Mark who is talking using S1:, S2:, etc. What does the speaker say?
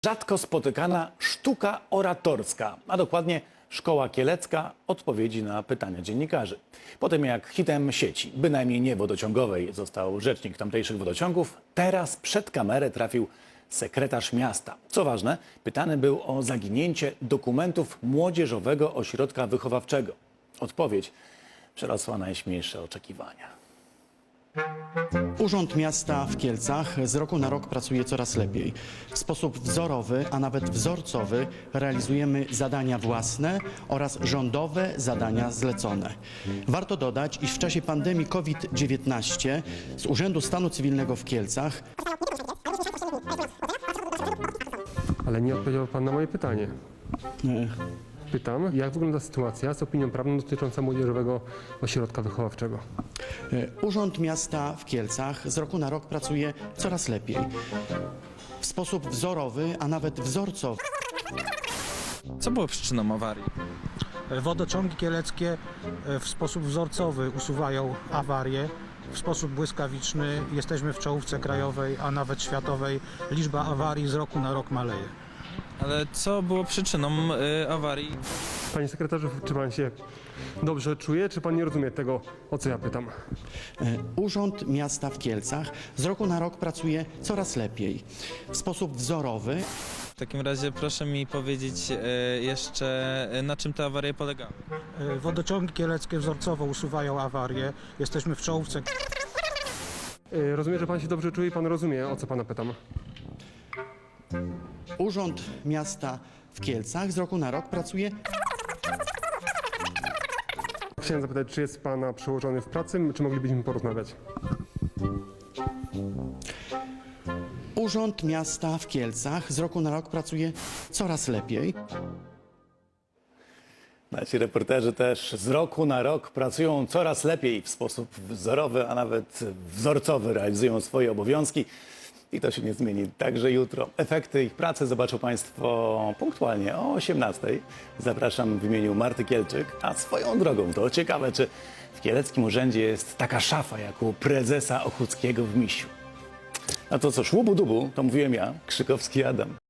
S1: Rzadko spotykana sztuka oratorska, a dokładnie Szkoła Kielecka odpowiedzi na pytania dziennikarzy. Po tym jak hitem sieci, bynajmniej nie wodociągowej, został rzecznik tamtejszych wodociągów, teraz przed kamerę trafił sekretarz miasta. Co ważne, pytany był o zaginięcie dokumentów Młodzieżowego Ośrodka Wychowawczego. Odpowiedź przerosła najśmielsze oczekiwania.
S2: Urząd Miasta w Kielcach z roku na rok pracuje coraz lepiej. W sposób wzorowy, a nawet wzorcowy realizujemy zadania własne oraz rządowe zadania zlecone. Warto dodać, iż w czasie pandemii COVID-19 z Urzędu Stanu Cywilnego w Kielcach
S3: Ale nie odpowiedział Pan na moje pytanie. Pytam, jak wygląda sytuacja z opinią prawną dotyczącą Młodzieżowego Ośrodka Wychowawczego?
S2: Urząd Miasta w Kielcach z roku na rok pracuje coraz lepiej. W sposób wzorowy, a nawet wzorcowy.
S4: Co było przyczyną awarii?
S5: Wodociągi kieleckie w sposób wzorcowy usuwają awarie. W sposób błyskawiczny jesteśmy w czołówce krajowej, a nawet światowej. Liczba awarii z roku na rok maleje.
S4: Ale co było przyczyną awarii?
S3: Panie sekretarzu, czy Pan się dobrze czuje, czy Pan nie rozumie tego, o co ja pytam?
S2: Urząd Miasta w Kielcach z roku na rok pracuje coraz lepiej. W sposób wzorowy.
S4: W takim razie proszę mi powiedzieć jeszcze, na czym te awarie polegały.
S5: Wodociągi kieleckie wzorcowo usuwają awarie. Jesteśmy w czołówce.
S3: Rozumiem, że Pan się dobrze czuje i Pan rozumie, o co Pana pytam.
S2: Urząd Miasta w Kielcach z roku na rok pracuje.
S3: Chciałem zapytać, czy jest Pana przełożony w pracy, czy moglibyśmy porozmawiać?
S2: Urząd Miasta w Kielcach z roku na rok pracuje coraz lepiej.
S1: Nasi reporterzy też z roku na rok pracują coraz lepiej, w sposób wzorowy, a nawet wzorcowy realizują swoje obowiązki. I to się nie zmieni także jutro. Efekty ich pracy zobaczą Państwo punktualnie o 18:00. Zapraszam w imieniu Marty Kielczyk. A swoją drogą to ciekawe, czy w kieleckim urzędzie jest taka szafa jak u prezesa Ochódzkiego w Misiu. A to co szłubu-dubu, to mówiłem ja, Krzykowski Adam.